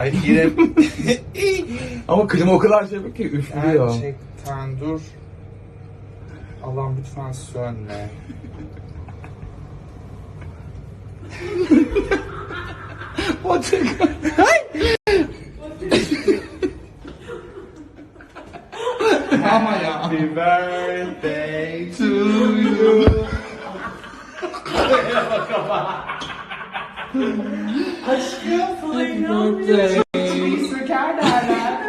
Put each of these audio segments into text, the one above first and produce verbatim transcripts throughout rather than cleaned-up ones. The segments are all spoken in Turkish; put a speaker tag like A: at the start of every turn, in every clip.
A: Yine
B: Ama klima o kadar şey yapıyor ki üflüyor.
A: gerçekten dur. Allah'ım lütfen sönme.
B: O çok... Ama ya.
A: Happy birthday to you. Aşkım sana inanmıyorum. Çiçeği söker derler.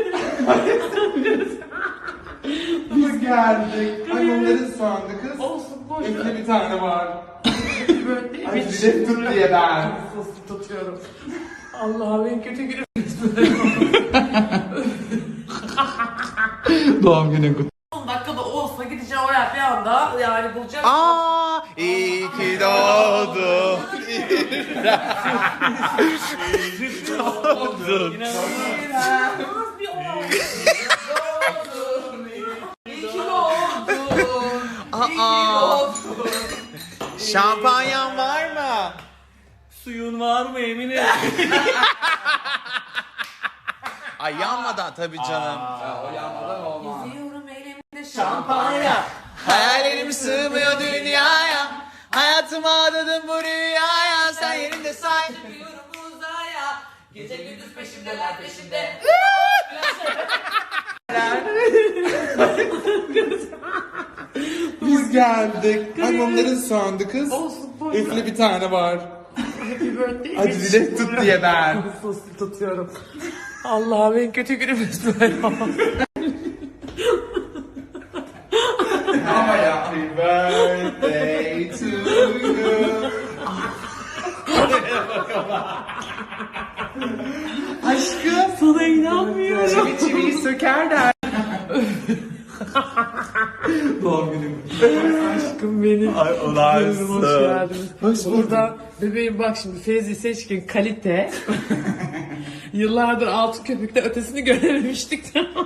A: Biz geldik. Ay onların sandı kız.
C: Olsun boş
A: Üfle
C: ver.
A: bir tane var.
C: Böyle
A: Ay dilek tut diye ben.
C: Soslu tutuyorum. Allah'ım en kötü günüm.
B: Doğum günün kutlu.
C: on dakikada olsa gideceğim oraya bir anda yani bulacağım.
A: Aa, iyi ki doğdun. doğdun.
C: İnanılmaz bir olay. İyi ki doğdun. İyi ki doğdun.
A: Şampanyan var mı?
C: Suyun var mı Emine?
A: Ay yanmadan tabii canım.
B: O yanmadan olmaz.
C: Geziyorum elimde şampanya.
A: Hayallerim sığmıyor dünyaya. Hayatıma adadım bu rüyaya. Sen yerinde say.
C: Çıkıyorum uzaya. Gece gündüz peşimdeler peşimde.
A: Biz geldik. Ay onların sandı kız.
C: Olsun boş ver.
A: Üfle bir tane var.
C: Happy birthday.
A: Hadi dilek tut diye ben.
C: Soslu tutuyorum. Allah'ım en kötü günümüz böyle.
A: Ama ya. Happy birthday to you. Aşkım.
C: Sana inanmıyorum.
A: Çivi çiviyi söker der.
B: Doğum günün kutlu.
C: Aşkım benim.
A: Ay olaysın.
C: Hoş geldiniz.
A: Hoş bulduk.
C: Burada bebeğim bak şimdi Fevzi Seçkin kalite. Yıllardır altın köpükte ötesini görememiştik.